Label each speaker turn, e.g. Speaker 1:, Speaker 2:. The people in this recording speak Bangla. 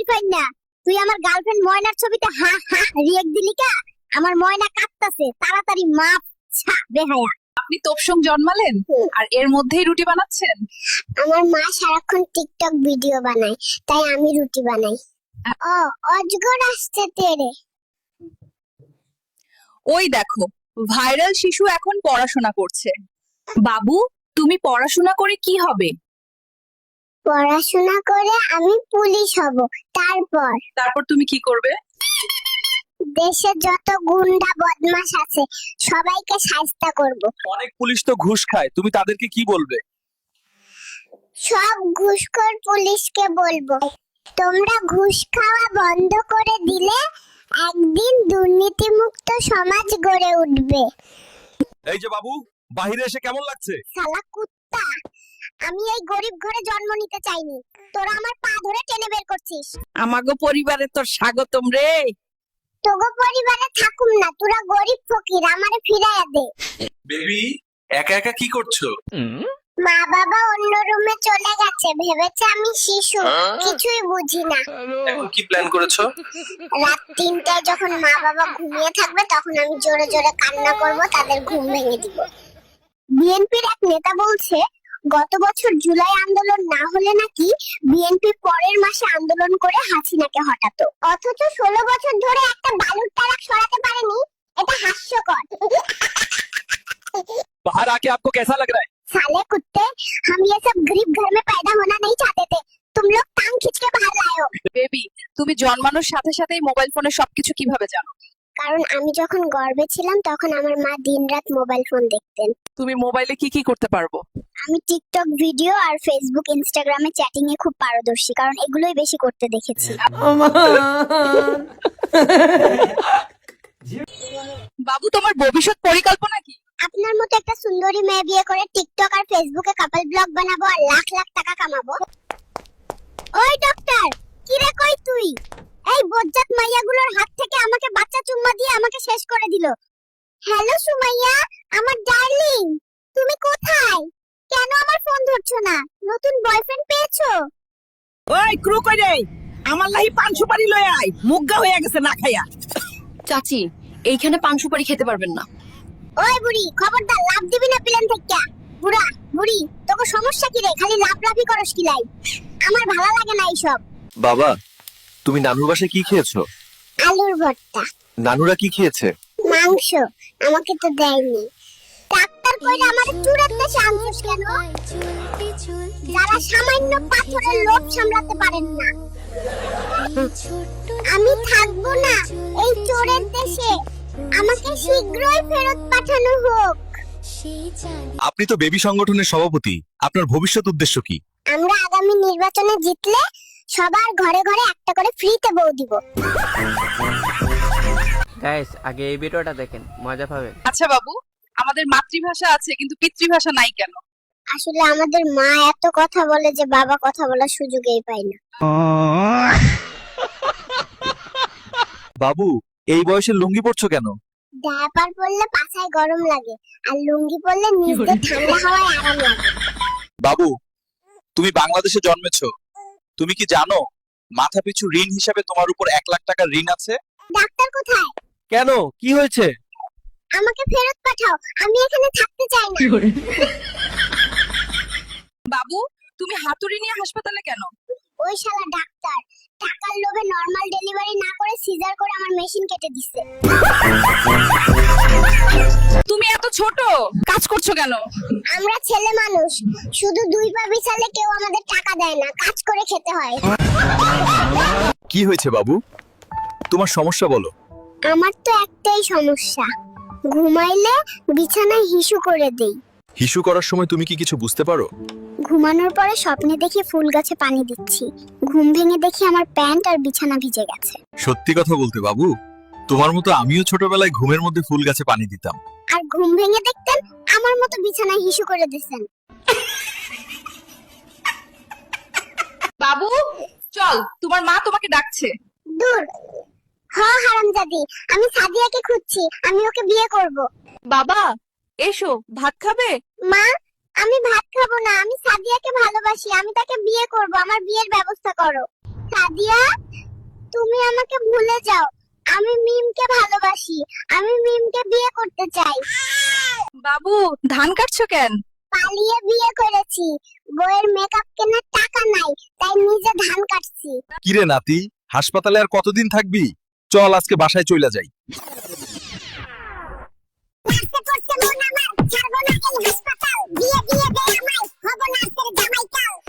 Speaker 1: পাই না। তুই আমার গার্লফ্রেন্ড ময়নার ছবিতে হা হা রিয়েক্ট দিলি কা? আমার ময়না কাঁদতাছে, তাড়াতাড়ি মাপ ছা বেহায়া।
Speaker 2: আপনি তোপসং জন্মালেন আর এর মধ্যেই রুটি বানাচ্ছেন?
Speaker 1: আমার মা সারাক্ষণ টিকটক ভিডিও বানায়, তাই আমি রুটি বানাই। ও অজগর আসছে তেরে।
Speaker 2: ওই দেখো, ভাইরাল শিশু এখন পড়াশোনা করছে। বাবু, তুমি পড়াশোনা করে কি হবে?
Speaker 1: পড়াশোনা করে আমি পুলিশ হব।
Speaker 2: তারপর তুমি কি করবে?
Speaker 1: দেশে যত গুন্ডা বদমাশ আছে সবাইকে শায়েস্তা করব।
Speaker 3: অনেক পুলিশ তো ঘুষ খায়, তুমি তাদেরকে কি বলবে?
Speaker 1: সব ঘুষখোর পুলিশকে বলবো, তোমরা ঘুষ খাওয়া বন্ধ করে দিলে একদিন দুর্নীতিমুক্ত সমাজ গড়ে উঠবে।
Speaker 3: এই যে বাবু, বাহিরে এসে কেমন লাগছে?
Speaker 1: শালা কুত্তা, আমি এই গরিব ঘরে জন্ম নিতে চাইনি, তোরা আমার পা ধরে টেনে বের করছিস।
Speaker 4: আমাগো পরিবারে তোর স্বাগতম রে।
Speaker 1: তোগো পরিবারে থাকুম না, তোরা গরিব ফকির, আমারে ফিরাইয়া দে।
Speaker 3: বেবি, একা একা কি করছো?
Speaker 1: মা বাবা অন্য রুমে চলে গেছে, ভেবেছে আমি শিশু, কিছুই বুঝি না।
Speaker 3: এখন কি প্ল্যান করেছো?
Speaker 1: রাত 3টায় যখন মা বাবা ঘুমিয়ে থাকবে তখন আমি জোরে জোরে কান্না করব, তাদের ঘুম ভেঙে দিব। বিএনপির এক নেতা বলছে গত বছর জুলাই আন্দোলন না হলে নাকি বিএনপি পরের মাসে আন্দোলন করে হাসিনাকে হটাতো, অথচ 16 বছর ধরে একটা বালুর ট্রাক সরাতে পারেনি। এটা হাস্যকর।
Speaker 3: बाहर आके आपको कैसा लग रहा है?
Speaker 1: साले कुत्ते, हम ये सब गरीब घर में पैदा होना नहीं चाहते थे, तुम लोग टांग खींच के बाहर लाए हो।
Speaker 2: বেবি, তুমি জন্মানোর সাথে সাথেই মোবাইল ফোনে সবকিছু কিভাবে জানো?
Speaker 1: কারণ আমি যখন গর্ভে ছিলাম তখন আমার মা দিনরাত মোবাইল ফোন দেখতেন।
Speaker 2: তুমি মোবাইলে কি কি করতে পারবো?
Speaker 1: আমি টিকটক ভিডিও আর ফেসবুক ইনস্টাগ্রামে চ্যাটিং এ খুব পারদর্শী, কারণ এগুলোই বেশি করতে দেখেছি।
Speaker 2: বাবু, তোমার ভবিষ্যৎ পরিকল্পনা কি?
Speaker 1: আপনার মতো একটা সুন্দরী মেয়ে বিয়ে করে টিকটক আর ফেসবুকে কাপল ব্লগ বানাবো আর লাখ লাখ টাকা কামাবো। ওই ডক্টর, কি রে কই তুই? এই বজ্জাত মাইয়াগুলোর হাত থেকে আমাকে বাচ্চা চুম্মা দিয়ে আমাকে শেষ করে দিল। হ্যালো সুমাইয়া, আমার ডার্লিং, তুমি কোথায়? কেন আমার ফোন ধরছো না? নতুন বয়ফ্রেন্ড পেয়েছো?
Speaker 4: ওই ক্রু কই রে, আমার লাহি পান সুপারি লয়ে আয়, মুগ্গা হয়ে গেছে না খাইয়া।
Speaker 5: চাচি, এইখানে পান সুপারি খেতে পারবেন না।
Speaker 1: ওই বুড়ি, খবরদার লাভ দিবি না প্লেন থেকে। বুড়া বুড়ি, তোকে সমস্যা কি রে? খালি লাফলাফি করস কি লাই? আমার ভালো লাগে না এইসব।
Speaker 3: বাবা, তুমি নানুর বাসায় কি খেয়েছো?
Speaker 1: আলুর ভর্তা।
Speaker 3: নানুরা কি খেয়েছে?
Speaker 1: মাংস। আমাকে তো দেয়নি। ডাক্তার কইলে আমার চুরের দেশে আনছিস কেন? যারা সামান্য পাথরের লোভ সামলাতে পারেন না। আমি থাকবো না এই চোরের দেশে, আমাকে শীঘ্রই ফেরত পাঠানো হোক।
Speaker 3: আপনি তো বেবি সংগঠনের সভাপতি, আপনার ভবিষ্যৎ উদ্দেশ্য কি?
Speaker 1: আমরা আগামী নির্বাচনে জিতলে সবার ঘরে ঘরে একটা করে ফ্রিতে বউ দিব।
Speaker 6: গাইস, আগে এই ভিডিওটা দেখেন, মজা পাবেন।
Speaker 2: আচ্ছা বাবু, আমাদের মাতৃভাষা আছে কিন্তু পিতৃভাষা নাই কেন?
Speaker 1: আসলে আমাদের মা এত কথা বলে যে বাবা কথা বলার সুযোগই পায় না।
Speaker 3: বাবু, এই বয়সে লুঙ্গি পরছো কেন?
Speaker 1: ডায়াপার পরলে পাছায় গরম লাগে আর লুঙ্গি পরলে নিচে ঠান্ডা হাওয়ায় আরাম লাগে।
Speaker 3: বাবু, তুমি বাংলাদেশে জন্মেছো, তুমি কি জানো মাথা পিছু ঋণ হিসাবে তোমার উপর 1 লাখ টাকার ঋণ আছে?
Speaker 1: ডাক্তার কোথায়?
Speaker 3: কেন, কি হয়েছে?
Speaker 1: আমাকে ফেরত পাঠাও, আমি এখানে থাকতে চাই না।
Speaker 2: বাবু, তুমি হাতুড়ি নিয়ে হাসপাতালে কেন?
Speaker 1: ওই শালা ডাক্তার টাকার লোভে নরমাল ডেলিভারি না করে সিজার করে আমার মেশিন কেটে দিচ্ছে।
Speaker 2: তুমি এত ছোট, কাজ করছো কেন?
Speaker 1: আমরা ছেলে মানুষ, শুধু 2 পা বিছালে কেউ আমাদের টাকা দেয় না, কাজ করে খেতে হয়।
Speaker 3: কি হয়েছে বাবু, তোমার সমস্যা বলো।
Speaker 1: আমার তো একটাই সমস্যা, ঘুমাইলে বিছানায় হিসু করে দেই।
Speaker 3: হিসু করার সময় তুমি কি কিছু বুঝতে পারো?
Speaker 1: ঘুমানোর পরে স্বপ্নে দেখি ফুল গাছে পানি দিচ্ছি, ঘুম ভেঙে দেখি আমার প্যান্ট আর বিছানা ভিজে গেছে।
Speaker 3: সত্যি কথা বলতে বাবু, তোমার মতো আমিও ছোটবেলায় ঘুমের মধ্যে ফুল গাছে পানি দিতাম।
Speaker 1: আর ঘুম ভেঙে দেখতেন আমার মতো বিছানায় হিসু করে দিয়েছেন।
Speaker 2: বাবু চল, তোমার মা তোমাকে ডাকছে।
Speaker 1: দূর হ হারামজাদি, আমি সাদিয়াকে খুঁজছি, আমি ওকে বিয়ে করব।
Speaker 5: বাবা এসো, ভাত খাবে?
Speaker 1: মা, আমি ভাত খাবো না, আমি সাদিয়াকে ভালোবাসি, আমি তাকে বিয়ে করব, আমার বিয়ের ব্যবস্থা করো। সাদিয়া, তুমি আমাকে ভুলে যাও। আমি মিমকে ভালোবাসি। আমি মিমকে বিয়ে করতে চাই।
Speaker 2: বাবু ধান কাটছো কেন?
Speaker 1: পালিয়ে বিয়ে করেছি। বউয়ের মেকআপ কেনার টাকা নাই, তাই নিজে ধান কাটছি।
Speaker 3: কিরে নাতি, হাসপাতালে আর কতদিন থাকবি? চল আজকে বাসায় চলে যাই।
Speaker 1: নাচতে করছে মন আমার, ছাড়বো না এই হাসপাতাল। বিয়ে দিয়ে দে আমায়, হব নাচের জামাইকাল।